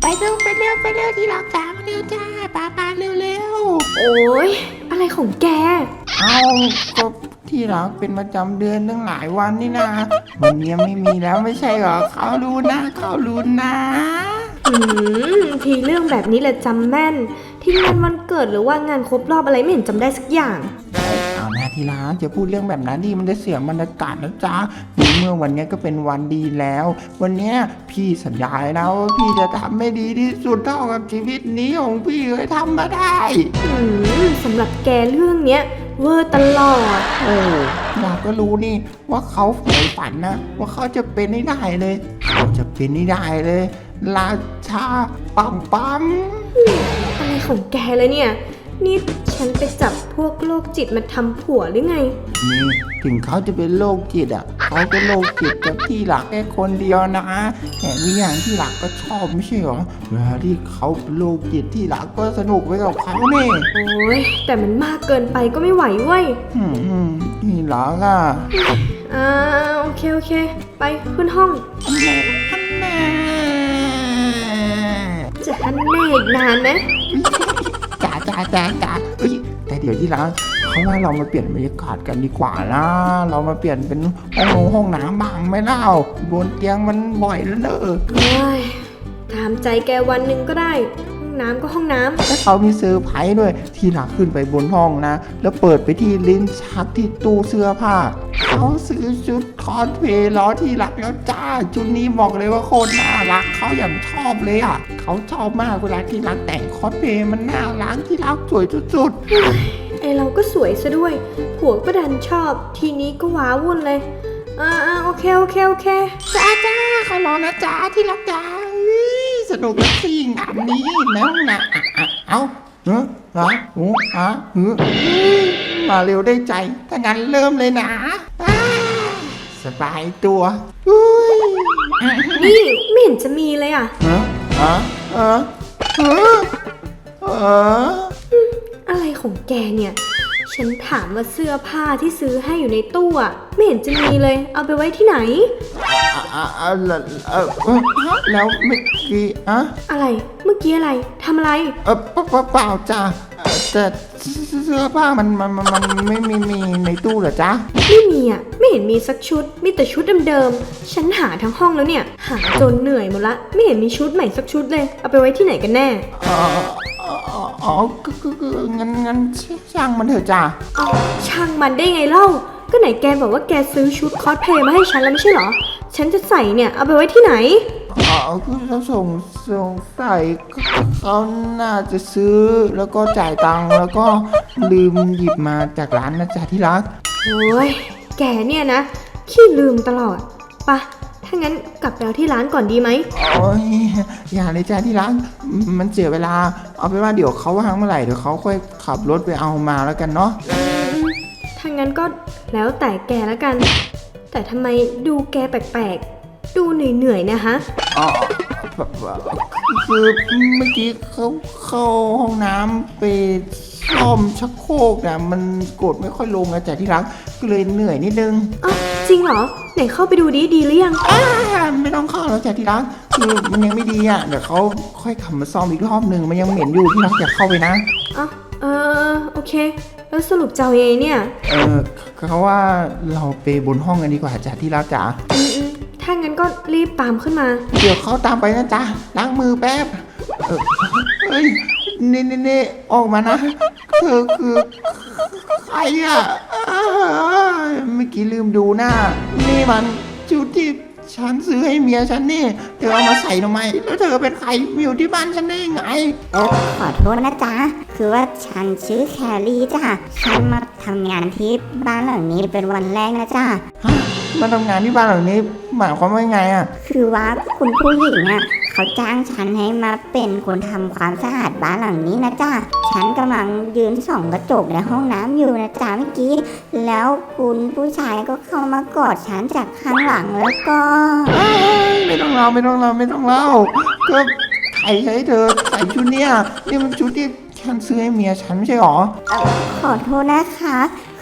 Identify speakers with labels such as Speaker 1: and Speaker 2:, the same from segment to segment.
Speaker 1: เร็วที่รักจ้ามาเร็วจ้าปาเร็ว
Speaker 2: โอ้ยอะไรของแก
Speaker 1: เอาก็ที่รักเป็นประจำเดือนตั้งหลายวันนี่นะวันนี้ไม่มีแล้วไม่ใช่เหรอเขารู้นะ
Speaker 2: ทีเรื่องแบบนี้แหละจำแม่นที่งานวันเกิดหรือว่างานครบรอบอะไรไม่เห็นจำได้สักอย่าง
Speaker 1: เอาหน้าที่รักจะพูดเรื่องแบบนั้นดีมันจะเสียบรรยากาศนะจ๊ะเมื่อวันนี้ก็เป็นวันดีแล้ว วันนี้พี่สัญญาแล้วว่าพี่จะทำให้ดีที่สุดเท่ากับชีวิตนี้ของพี่เคยทำมาได้
Speaker 2: สำหรับแกเรื่องเนี้ยเวอร์ตลอด
Speaker 1: โอ้อยากก็รู้นี่ว่าเขาใฝ่ฝันนะว่าเขาจะเป็นให้ได้เลยเขาจะเป็นให้ได้เลยราชาปั๊ม
Speaker 2: อะไรของแกเลยเนี่ยนี่ฉันไปจับพวกโรคจิตมาทำผัวหรือไง
Speaker 1: นี่ถึงเขาจะเป็นโรคจิตอ่ะเขาก็โรคจิตกับที่หลักแค่คนเดียวนะแต่วิญญาณที่หลักก็ชอบไม่ใช่หรอเวลาที่เขาเป็นโรคจิตที่หลักก็สนุกไปกับเขาเนี่ย
Speaker 2: โอ้ยแต่มันมากเกินไปก็ไม่ไหวเว้ย
Speaker 1: ที่หลักอ่ะ
Speaker 2: โอเคไปขึ้นห้องจะฮันแน่อีกนานไหม
Speaker 1: จ้าแต่เดี๋ยวที่รักเขาว่าเรามาเปลี่ยนบรรยากาศกันดีกว่านะเรามาเปลี่ยนเป็นห้องน้ำบ้างไหมเล่าบนเตียงมันบ่อยแล้วเนอะ
Speaker 2: ตามใจแกวันหนึ่งก็ได้ห้องน้ำก็ห้องน้ำ
Speaker 1: แล้วเขามีเซอร์ไพรส์ด้วยที่รักขึ้นไปบนห้องนะแล้วเปิดไปที่ลิ้นชักที่ตู้เสื้อผ้าเขาซื้อชุดคอสเพลย์ล้อที่รักแล้วจ้าชุดนี้บอกเลยว่าโคตรน่ารักเขาอย่างชอบเลยอ่ะเขาชอบมากเวลาที่รักแต่งคอสเพลย์มันน่ารักที่รักสวยสุด
Speaker 2: ไอเราก็สวยซะด้วยผัวก็ดันชอบทีนี้ก็ว้าวุ่นเลยโอเค
Speaker 1: จ้าเขารอนะจ้าที่รักจ้าสนุกและสิงานนี้นะเอามาเร็วได้ใจถ้างั้นเริ่มเลยนะสบายตัว
Speaker 2: นี่ไม่เห็นจะมีเลยอ่ะอะไรของแกเนี่ยฉันถามว่าเสื้อผ้าที่ซื้อให้อยู่ในตู้อ่ะไม่เห็นจะมีเลยเอาไปไว้ที่ไหน
Speaker 1: แล้วเมื่อกี้
Speaker 2: อะไรเมื่อกี้อะไรทำอะไร
Speaker 1: เปล่าจ้าแต่เสื้อผ้ามันไม่มีในตู้เหรอจ๊ะ
Speaker 2: ไม่มีอ่ะไม่เห็นมีสักชุดมีแต่ชุดเดิมๆฉันหาทั้งห้องแล้วเนี่ยหาจนเหนื่อยหมดละไม่เห็นมีชุดใหม่สักชุดเลยเอาไปไว้ที่ไหนกันแน่
Speaker 1: งั้นช่างมันเถอะจ้ะ
Speaker 2: ช่างมันได้ไงเล่าก็ไหนแกบอกว่าแกซื้อชุดคอสเพลย์มาให้ฉันแล้วไม่ใช่เหรอฉันจะใส่เนี่ยเอาไปไว้ที่ไหน
Speaker 1: คือส่งใส่เขาน่าจะซื้อแล้วก็จ่ายตังค์แล้วก็ลืมหยิบมาจากร้านนะจ๊ะที่รัก
Speaker 2: โอ้ยแกเนี่ยนะขี้ลืมตลอดปะถ้างั้นกลับไปเอาที่ร้านก่อนดีไหม
Speaker 1: โอ้ยอย่าเลยจ้าที่ร้านมันเสียเวลาเอาไปว่าเดี๋ยวเขาว่างเมื่อไหร่เดี๋ยวเขาค่อยขับรถไปเอามาแล้วกันเนาะ
Speaker 2: ถ้างั้นก็แล้วแต่แกแล้วกันแต่ทำไมดูแกแปลกๆดูเหนื่อยๆนะฮะ
Speaker 1: คือเมื่อกี้เขาเข้าห้องน้ำไปซ่อมชักโครกนะมันกดไม่ค่อยลงนะจ๊ะที่รักก็เลยเหนื่อยนิดนึง
Speaker 2: จริงเหรอไหนเข้าไปดูดีหรือยัง
Speaker 1: ไม่ต้องเข้าแล้วจ๊ะที่รักคือมันยังไม่ดีอ่ะเดี๋ยวเขาค่อยขับมาซ่อมอีกรอบนึงมันยังเหม็นอยู่ที่รักอย่าเข้าไปนะ
Speaker 2: โอเคแล้วสรุปเจ้าเอเนี่ย
Speaker 1: เขาว่าเราไปบนห้องกันดีกว่าจ๊ะที่รักจ๋า
Speaker 2: ถ้างั้นก็รีบตามขึ้นมา
Speaker 1: เดี๋ยวเขาตามไปนะจ๊ะล้างมือแป๊บเฮ้ยนี่ออกมานะเธอคือใครอ่ะเมื่อกี้ลืมดูหน้านี่มันชุดที่ฉันซื้อให้เมียฉันนี่เธอเอามาใส่ทำไมแล้วเธอเป็นใครอยู่ที่บ้านฉันได้ยังไง
Speaker 3: ขอโทษนะจ๊ะคือว่าฉันชื่อแคลรี่จ้ะฉันมาทำงานที่บ้านหลังนี้เป็นวันแรกนะจ๊ะ
Speaker 1: มาทำงานที่บ้านหลังนี้หมายความว่าไงอ่ะ
Speaker 3: คือว่าคุณผู้หญิงอ่ะเขาจ้างฉันให้มาเป็นคนทำความสะอาดบ้านหลังนี้นะจ๊ะฉันกำลังยืนส่องกระจกในห้องน้ำอยู่นะจ๊ะเมื่อกี้แล้วคุณผู้ชายก็เข้ามากอดฉันจากข้างหลังแล้วก็
Speaker 1: ไม่ต้องเล่าก็ใครให้เธอใส่ชุดเนี้ยนี่มันชุดที่ฉันซื้อให้เมียฉันไม่ใช่หรอ
Speaker 3: ขอโทษนะคะค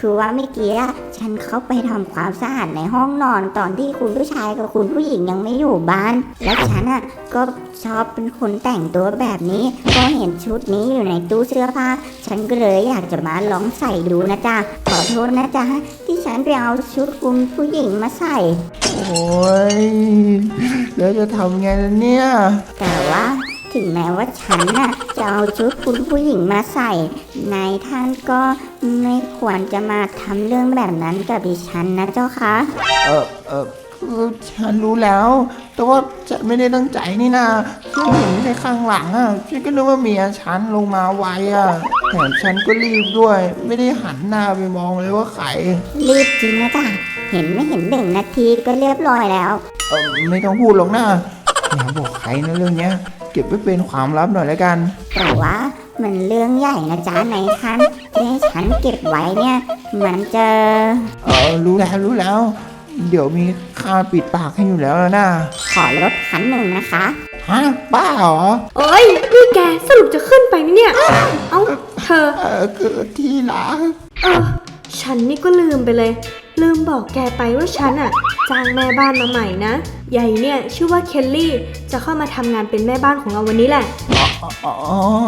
Speaker 3: คือว่าเมื่อกี้ฉันเข้าไปทำความสะอาดในห้องนอนตอนที่คุณผู้ชายกับคุณผู้หญิงยังไม่อยู่บ้าน และฉันก็ชอบเป็นคนแต่งตัวแบบนี้ก็เห็นชุดนี้อยู่ในตู้เสื้อผ้าฉันก็เลยอยากจะมาลองใส่ดูนะจ๊ะขอโทษนะจ๊ะที่ฉันไปเอาชุดคุณผู้หญิงมาใส่
Speaker 1: โอ้ยแล้วจะทำไงล่ะเนี่ย
Speaker 3: แต่ว่าถึงแม้ว่าฉันจะเอาชุดคุณผู้หญิงมาใส่นายท่านก็ไม่ควรจะมาทำเรื่องแบบนั้นกับดิฉันนะเจ้าคะ
Speaker 1: คือฉันรู้แล้ว แต่ว่าฉันไม่ได้ตั้งใจนี่นะฉันเห็นในข้างหลังฉันก็นึกว่าเมียฉันลงมาไวแถมฉันก็รีบด้วย ไม่ได้หันหน้าไปมองเลยว่าใคร
Speaker 3: รีบจริงนะจ๊ะเห็นไม่เห็น1 นาทีก็เรียบร้อยแล้ว
Speaker 1: ไม่ต้องพูดหรอกนะอย่าบอกใครนะเรื่องเนี้ย เก็บไว้เป็นความลับหน่อยแล้วกัน
Speaker 3: แต่ว่ามันเรื่องใหญ่นะจ๊ะนายท่านที่ให้ฉันเก็บไว้เนี่ยมันจะ
Speaker 1: รู้แล้ว เดี๋ยวมีค่าปิดปากให้อยู่แล้วนะ
Speaker 3: ขอลดคันหนึ่งนะคะ
Speaker 1: ฮะบ้าเหรอ
Speaker 2: โอ้ยนี่แกสรุปจะขึ้นไปไหมเนี่ย เอ้าเธอ
Speaker 1: คือที่รัก
Speaker 2: ฉันนี่ก็ลืมไปเลย ลืมบอกแกไปว่าฉันจ้างแม่บ้านมาใหม่นะใหญ่เนี่ยชื่อว่าเคลลี่จะเข้ามาทำงานเป็นแม่บ้านของเราวันนี้แหละ
Speaker 1: อ๋อ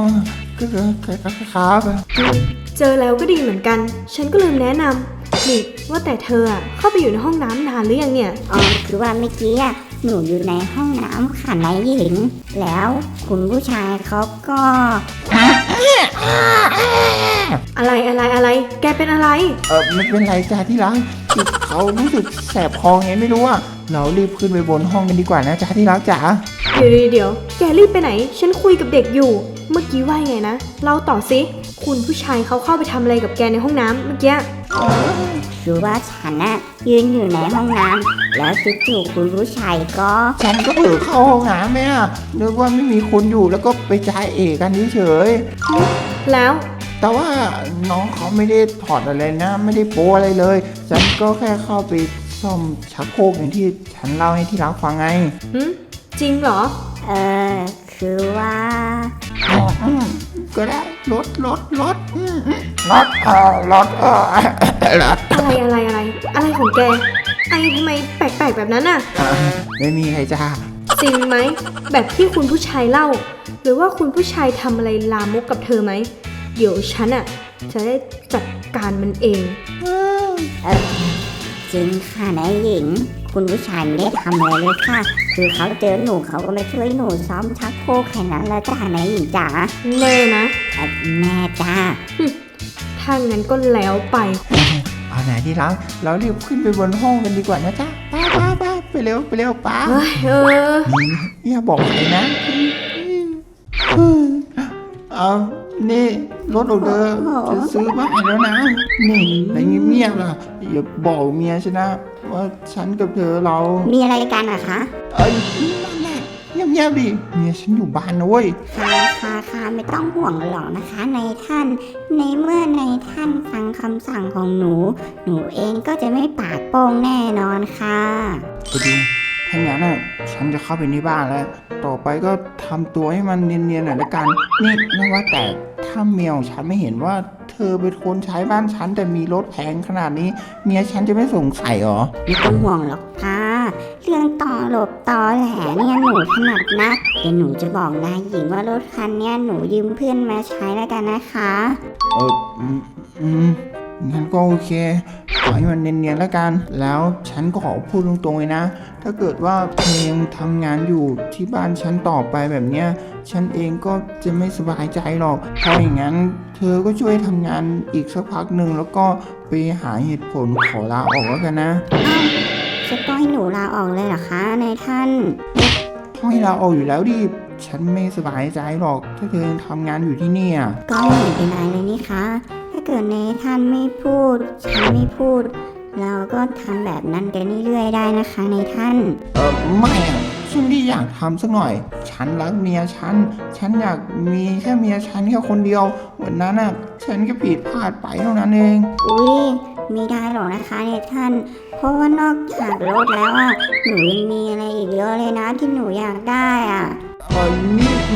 Speaker 1: ครับ
Speaker 2: เจอแล้วก็ดีเหมือนกัน ฉันก็ลืมแนะนำนี่ว่าแต่เธอเข้าไปอยู่ในห้องน้ำนานหรือยังเนี่ย
Speaker 3: คือว่าเมื่อกี้หนูอยู่ในห้องน้ำค่ะนายหญิง แล้วคุณผู้ชายเขาก็
Speaker 2: อะไรแกเป็นอะไร
Speaker 1: ไม่เป็นไรจ้าที่รักคือเขารู้สึกแสบคอไงไม่รู้เรารีบขึ้นไปบนห้องกันดีกว่านะจ้าที่รักจ๋า
Speaker 2: เดี๋ยวแกรีบไปไหน ฉันคุยกับเด็กอยู่ เมื่อกี้ว่าไงนะเล่าต่อสิคุณผู้ชายเขาเข้าไปทำอะไรกับแกในห้องน้ำเมื่อกี้
Speaker 3: คือว่าฉันยืนอยู่ในห้องน้ำแล้วจู่ๆคุณผู้ชายก็
Speaker 1: ฉันก็เผลอเข้าห้องน้ำไหมนึกว่าไม่มีคนอยู่แล้วก็ไปจ่ายเอกกันเฉย
Speaker 2: แล้ว
Speaker 1: ๆแต่ว่าน้องเขาไม่ได้ถอดอะไรนะ ไม่ได้โป๊อะไรเลย ฉันก็แค่เข้าไปซ่อมชักโครกอย่างที่ฉันเล่าให้ที่รักฟังไง
Speaker 2: จริงเหรอ
Speaker 3: คือว่า
Speaker 1: ก็ได้รถ
Speaker 2: อะไรของแกไอทำไมแปลกๆแบบนั้นน่ะ
Speaker 1: ไม่มีใครจ้า
Speaker 2: จริงไหมแบบที่คุณผู้ชายเล่า หรือว่าคุณผู้ชายทำอะไรลามกกับเธอไหมเดี๋ยวฉันจะได้จัดการมันเอง
Speaker 3: จริงค่ะนายหญิง คุณผู้ชายไม่ได้ทำอะไรเลยค่ะ คือเขาเจอหนูเขาก็มาช่วยหนูซ้อมชักโครกแค่นั้นแหละจ้านายหญิงจ๋า
Speaker 2: แน่นะ
Speaker 3: แม่จ้า
Speaker 2: ถ้างั้นก็แล้วไป
Speaker 1: เอาไหนที่รักเรารีบขึ้นไปบนห้องกันดีกว่านะจ๊ะป้าไปเร็วป้า
Speaker 2: เฮ้ย
Speaker 1: อย่าบอกใครนะเอานี่รถออกเดอร์จะซื้อมาให้แล้วนะนี่อะไรเงียบๆล่ะอย่าบอกเมียฉันนะว่าฉันกับเธอเรา
Speaker 3: มีอะไรกันอะคะ
Speaker 1: นั่นแหละเงียบๆดิเมียฉันอยู่บ้านนะเว้ย
Speaker 3: ค่ะไม่ต้องห่วงหรอกนะคะนายท่าน ในเมื่อนายท่านฟังคำสั่งของหนูเองก็จะไม่ปากโป้งแน่นอนค่ะ
Speaker 1: ก็ดีถ้างั้นฉันจะเข้าไปในบ้านแล้ว ต่อไปก็ทำตัวให้มันเนียนๆหน่อยละกัน นี่นะว่าแต่ถ้าเมียของฉันไม่เห็นว่าเธอเป็นคนใช้บ้านฉันแต่มีรถแพงขนาดนี้ เมียฉันจะไม่สงสัยหรอ
Speaker 3: ไม่ต้องห่วงหรอกค่ะเรื่องต่อหลบต่อแหลเนี่ยหนูถนัดนะเดี๋ยวหนูจะบอกนายหญิงว่ารถคันเนี้ยหนูยืมเพื่อนมาใช้แล้วกันนะคะ
Speaker 1: งั้นก็โอเคขอให้มันเนียนๆแล้วกัน แล้วฉันก็ขอพูดตรงๆเลยนะ ถ้าเกิดว่าเธอยังทำงานอยู่ที่บ้านฉันต่อไปแบบเนี้ย ฉันเองก็จะไม่สบายใจหรอก เพราะอย่างนั้นเธอก็ช่วยทำงานอีกสักพักหนึ่งแล้วก็ไปหาเหตุผลขอลาออกแล้วกันนะ
Speaker 3: จะต้องให้หนูลาออกเลยเหรอคะนายท่าน
Speaker 1: ต้องให้ลาออกอยู่แล้วดิ ฉันไม่สบายใจหรอก ถ้าเธอยังทำงานอยู่ที่นี่อ่ะ
Speaker 3: ก็ไม่เห็นเป็นไรเลยนี่คะถ้าเกิดนายท่านไม่พูดฉันไม่พูด เราก็ทำแบบนั้นกันเรื่อยๆได้นะคะนายท่าน
Speaker 1: ไม่อ่ะฉันไม่อยากทำสักหน่อย ฉันรักเมียฉันอยากมีแค่เมียฉันแค่คนเดียววันนั้นอ่ะ ฉันก็ผิดพลาดไปเท่านั้นเอง
Speaker 3: อุ้ยไม่ได้หรอกนะคะนายท่าน เพราะว่านอกจากรถแล้วหนูยังมีอะไรอีกเยอะเลยนะที่หนูอยากได้
Speaker 1: นี่มันจะไม่มาก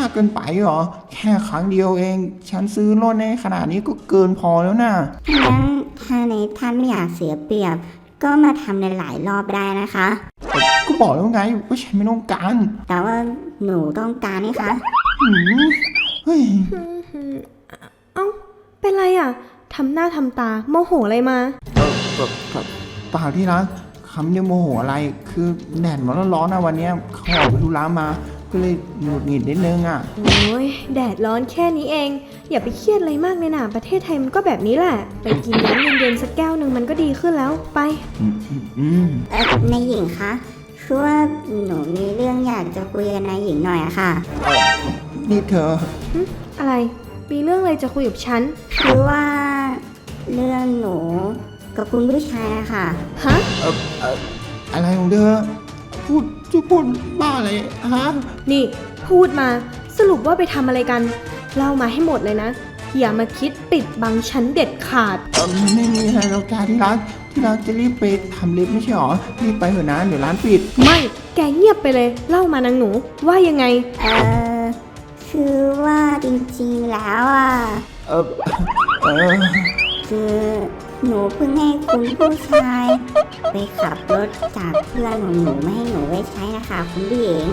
Speaker 1: ากเกินไปเหรอแค่ครั้งเดียวเองฉันซื้อรถในขนาดนี้ก็เกินพอแล้วนะ
Speaker 3: งั้นถ้าในท่านไม่อยากเสียเปรียบ ก็มาทำในหลายรอบได้นะคะ
Speaker 1: ก็บอกแล้วไงว่าฉันไม่ต้องการ
Speaker 3: แต่ว่าหนูต้องการนี่คะ
Speaker 1: หืมเฮ้ย
Speaker 2: เอ้าเป็นไรอ่ะทำหน้าทำตาโมโหอะไรมา
Speaker 1: เปล่าที่รักคำเดียวโมโหอะไรคือแดดมันร้อนๆนะวันเนี้ยเขาออกไปธุระมาก็เลยหงุดหงิดนิดนึงอ่ะ
Speaker 2: โอ้ยแดดร้อนแค่นี้เอง อย่าไปเครียดอะไรมากเลยนะประเทศไทยมันก็แบบนี้แหละ ไปกินน้ำเย็นๆสักแก้วหนึ่งมันก็ดีขึ้นแล้วไป
Speaker 3: นายหญิงคะคือว่าหนูมีเรื่องอยากจะคุยกับนายหญิงหน่อยอะค่ะ
Speaker 1: นี่เธอ
Speaker 2: อะไรมีเรื่องอะไรจะคุยกับฉัน
Speaker 3: คือว่าเรื่องหนูกับคุณผู้ชายอะค่ะ
Speaker 2: ฮะ
Speaker 1: อะไรของเธอพูดบ้าอะไรฮะ
Speaker 2: นี่พูดมาสรุปว่าไปทำอะไรกันเล่ามาให้หมดเลยนะ อย่ามาคิดปิดบังฉันเด็ดขาด
Speaker 1: ไม่มีอะไรหรอกจ้าที่รักจะรีบไปทำเล็บไม่ใช่หรอรีบไปเถอะนะเดี๋ยวร้านปิด
Speaker 2: ไม่แกเงียบไปเลยเล่ามานางหนูว่ายังไง
Speaker 3: คือว่าจริงๆแล้วอะ
Speaker 1: เออ
Speaker 3: คือหนูเพิ่งให้คุณผู้ชายไปขับรถจากเพื่อนของหนูมาให้หนูไว้ใช้นะคะคุณผู้หญิง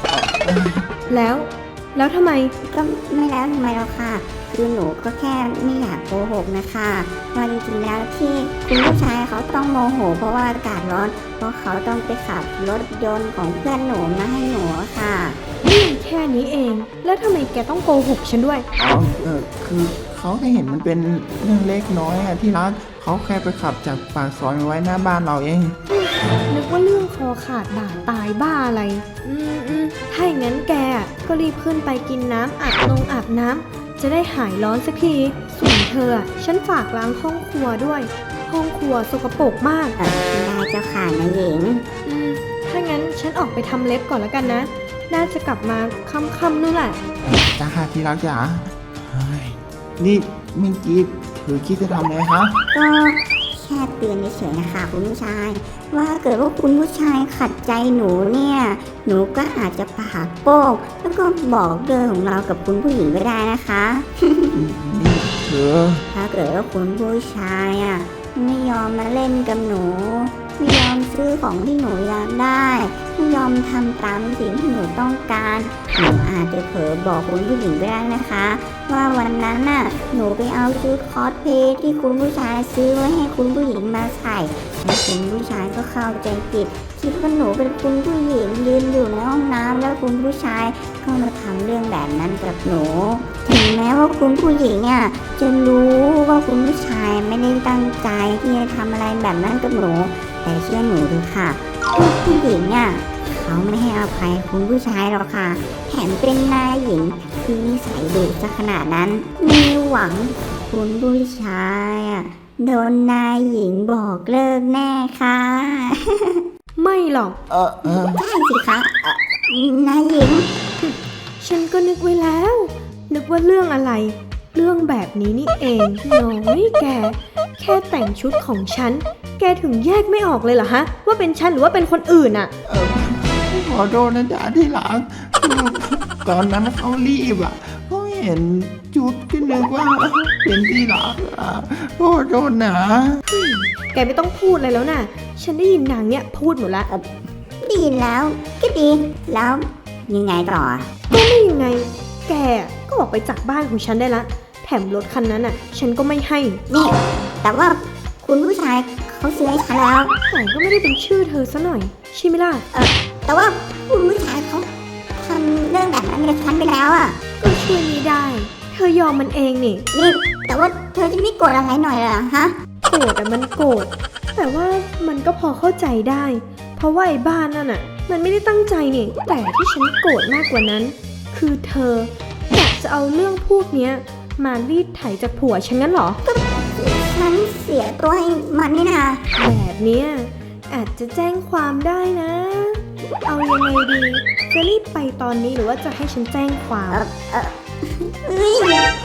Speaker 2: แล้วทำไม
Speaker 3: ก็ไม่แล้วทำไมหรอกค่ะ คือหนูก็แค่ไม่อยากโกหกนะคะว่าจริงๆแล้วที่คุณผู้ชายเขาต้องโมโห เพราะว่าอากาศร้อน เพราะเขาต้องไปขับรถยนต์ของเพื่อนหนูมาให้หนูอะค่ะ
Speaker 2: เรื่องแค่นี้เอง แล้วทำไมแกต้องโกหกฉันด้วย
Speaker 1: คือเขาแค่เห็นมันเป็นเรื่องเล็กน้อยอะที่รักเขาแค่ไปขับจากปากซอยมาไว้หน้าบ้านเราเอง
Speaker 2: นึกว่าเรื่องคอขาดบาดตายบ้าอะไรถ้าอย่างนั้นแกก็รีบขึ้นไปกินน้ำอาบน้ำจะได้หายร้อนสักที ส่วนเธอฉันฝากล้างห้องครัวด้วย ห้องครัวสกปรกมาก
Speaker 3: ได้เจ้าค่ะนายหญิง
Speaker 2: ถ้างั้นฉันออกไปทำเล็บก่อนแล้วกันนะ น่าจะกลับมาค่ำๆนู่นแหละ
Speaker 1: จ้าค่ะที่รักจ๋าเฮ้ยนี่เมื่อกี้เธอคิดจะทำอะไรคะ
Speaker 3: ก็แค่เตือนเฉยๆนะคะคุณผู้ชาย ว่าเกิดว่าคุณผู้ชายขัดใจหนูเนี่ย หนูก็อาจจะปากโป้งแล้วก็บอกเรื่องของเรากับคุณผู้หญิงก็ได้นะคะ
Speaker 1: นี่เธอ
Speaker 3: ถ้าเกิดว่าคุณผู้ชายไม่ยอมมาเล่นกับหนู ไม่ยอมซื้อของที่หนูอยากได้ไม่ยอมทำตามสิ่งที่หนูต้องการหนูอาจจะเผลอบอกคุณผู้หญิงก็ได้นะคะ ว่าวันนั้นหนูไปเอาชุดคอสเพลย์ที่คุณผู้ชายซื้อไว้ให้คุณผู้หญิงมาใส่แล้วคุณผู้ชายก็เข้าใจผิดคิดว่าหนูเป็นคุณผู้หญิงยืนอยู่ในห้องน้ำแล้วคุณผู้ชายก็มาทำเรื่องแบบนั้นกับหนู ถึงแม้ว่าคุณผู้หญิงจะรู้ว่าคุณผู้ชายไม่ได้ตั้งใจที่จะทำอะไรแบบนั้นกับหนู แต่เชื่อหนูเถอะค่ะผู้หญิงเขาไม่ให้อภัยคุณผู้ชายหรอกค่ะแถมเป็นนายหญิงที่นิสัยดุซะขนาดนั้นมีหวังคุณผู้ชายโดนนายหญิงบอกเลิกแน่ค่ะ
Speaker 2: ไม่หรอก
Speaker 3: ใช่สิคะนายหญิง
Speaker 2: ฉันก็นึกไว้แล้ว นึกว่าเรื่องอะไร เรื่องแบบนี้นี่เองน้อยแก แค่แต่งชุดของฉัน แกถึงแยกไม่ออกเลยเหรอฮะ ว่าเป็นฉันหรือว่าเป็นคนอื่นอะ
Speaker 1: ขอโทษนะจ๊ะที่รักคือตอนนั้นเขารีบเขาเห็นจุดก็นึกว่าเป็นที่รักขอโทษนะ
Speaker 2: แกไม่ต้องพูดอะไรแล้วน่ะ ฉันได้ยินนางเนี่ยพูดหมดละ
Speaker 3: ดีแล้วก็ดีแล้วยังไงต่อ
Speaker 2: ก็ไม่ยังไง แกก็ออกไปจากบ้านของฉันได้ละ แถมรถคันนั้นอ่ะ ฉันก็ไม่ให้
Speaker 3: นี่ แต่ว่าคุณผู้ชายเขาซื้อให้ฉันแล้ว
Speaker 2: แต่ก็ไม่ได้เป็นชื่อเธอซะหน่อยใช่ไหมล่ะ
Speaker 3: แต่ว่าคุณผู้ชายเขาทำเรื่องแบบนั้นกับฉันไปแล้ว
Speaker 2: ก็ช่วยไม่ได้ เธอยอมมันเองนี่
Speaker 3: นี่แต่ว่าเธอจะไม่โกรธอะไรหน่อยเหรอฮะ
Speaker 2: โกรธอะมันโกรธ แต่ว่ามันก็พอเข้าใจได้ เพราะว่าไอ้บ้านนั่นอะมันไม่ได้ตั้งใจนี่ แต่ที่ฉันโกรธมากกว่านั้น คือเธออยากจะเอาเรื่องพวกเนี้ยมารีดไถจากผัวฉันงั้นเหรอ
Speaker 3: ฉันเสียตัวให้มันนี่นะ
Speaker 2: แบบเนี้ยอาจจะแจ้งความได้นะ เอายังไงดี จะรีบไปตอนนี้หรือว่าจะให้ฉันแจ้งความ
Speaker 3: เอ้ย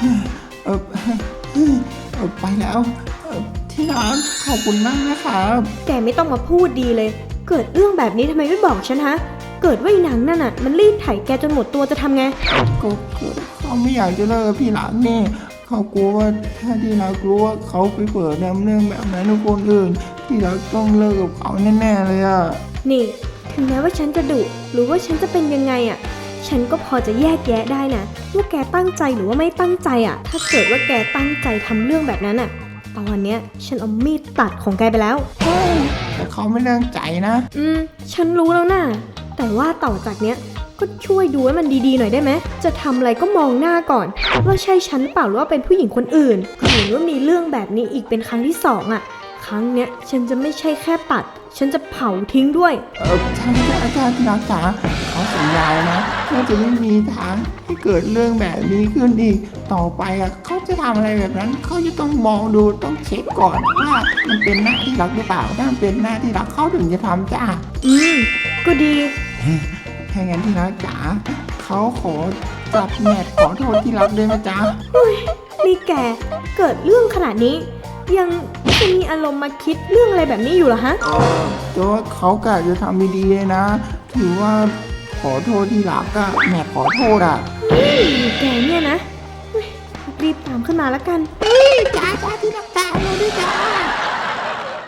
Speaker 1: ไปแล้วที่รักขอบคุณมากนะครับ
Speaker 2: แกไม่ต้องมาพูดดีเลย เกิดเรื่องแบบนี้ทำไมไม่บอกฉันฮะ เเกิดว่าอีหนังนั่นน่ะมันรีดไถแกจนหมดตัวจะทำไง
Speaker 1: ก็เขาไม่อยากจะเลิกกับพี่รักนี่เขากลัวว่าถ้าที่รักรู้ว่าเขาไปเปิดนำเรื่องแบบนั้นกับคนอื่นพี่รักต้องเลิกกับเขาแน่ๆเลยอะ
Speaker 2: นี่ถึงแม้ว่าฉันจะดุหรือว่าฉันจะเป็นยังไงอ่ะฉันก็พอจะแยกแยะได้นะว่าแกตั้งใจหรือว่าไม่ตั้งใจอ่ะถ้าเกิดว่าแกตั้งใจทำเรื่องแบบนั้นอ่ะตอนเนี้ยฉันเอามีดตัดของแกไปแล้ว
Speaker 1: แต่เขาไม่ตั้งใจนะ
Speaker 2: ฉันรู้แล้วนะแต่ว่าต่อจากเนี้ยก็ช่วยดูให้มันดีๆหน่อยได้ไหมจะทำอะไรก็มองหน้าก่อนว่าใช่ฉันเปล่าหรือว่าเป็นผู้หญิงคนอื่นหรือว่ามีเรื่องแบบนี้อีกเป็นครั้งที่2อ่ะครั้งเนี้ยฉันจะไม่ใช่แค่ตัดฉันจะเผาทิ้งด้วย
Speaker 1: ใช่อาจารย์ที่รักจ๋าเขาสัญญานะว่าจะไม่มีทางให้เกิดเรื่องแบบนี้ขึ้นอีกต่อไปอ่ะเขาจะทำอะไรแบบนั้นเขาจะต้องมองดูต้องเช็คก่อนว่ามันเป็นหน้าที่รักหรือเปล่าถ้ามันเป็นหน้าที่รักเขาถึงจะทำจ้า
Speaker 2: ก็ดี
Speaker 1: ถ้างั้นที่รักจ๋าเขาขอจับแมทขอโทษที่รักด้วยนะจ๊ะ
Speaker 2: นี่แกเกิดเรื่องขนาดนี้ ยังจะมีอารมณ์มาคิดเรื่องอะไรแบบนี้อยู่เหรอฮะ
Speaker 1: แต่ว่าเขากะจะทำดีๆเลยนะ ถือว่าขอโทษที่รักอะแมทขอโทษอะ
Speaker 2: แกเนี่ยนะเฮ้ยรีบตามขึ้นมาแล้วกัน
Speaker 1: จ้าที่รัก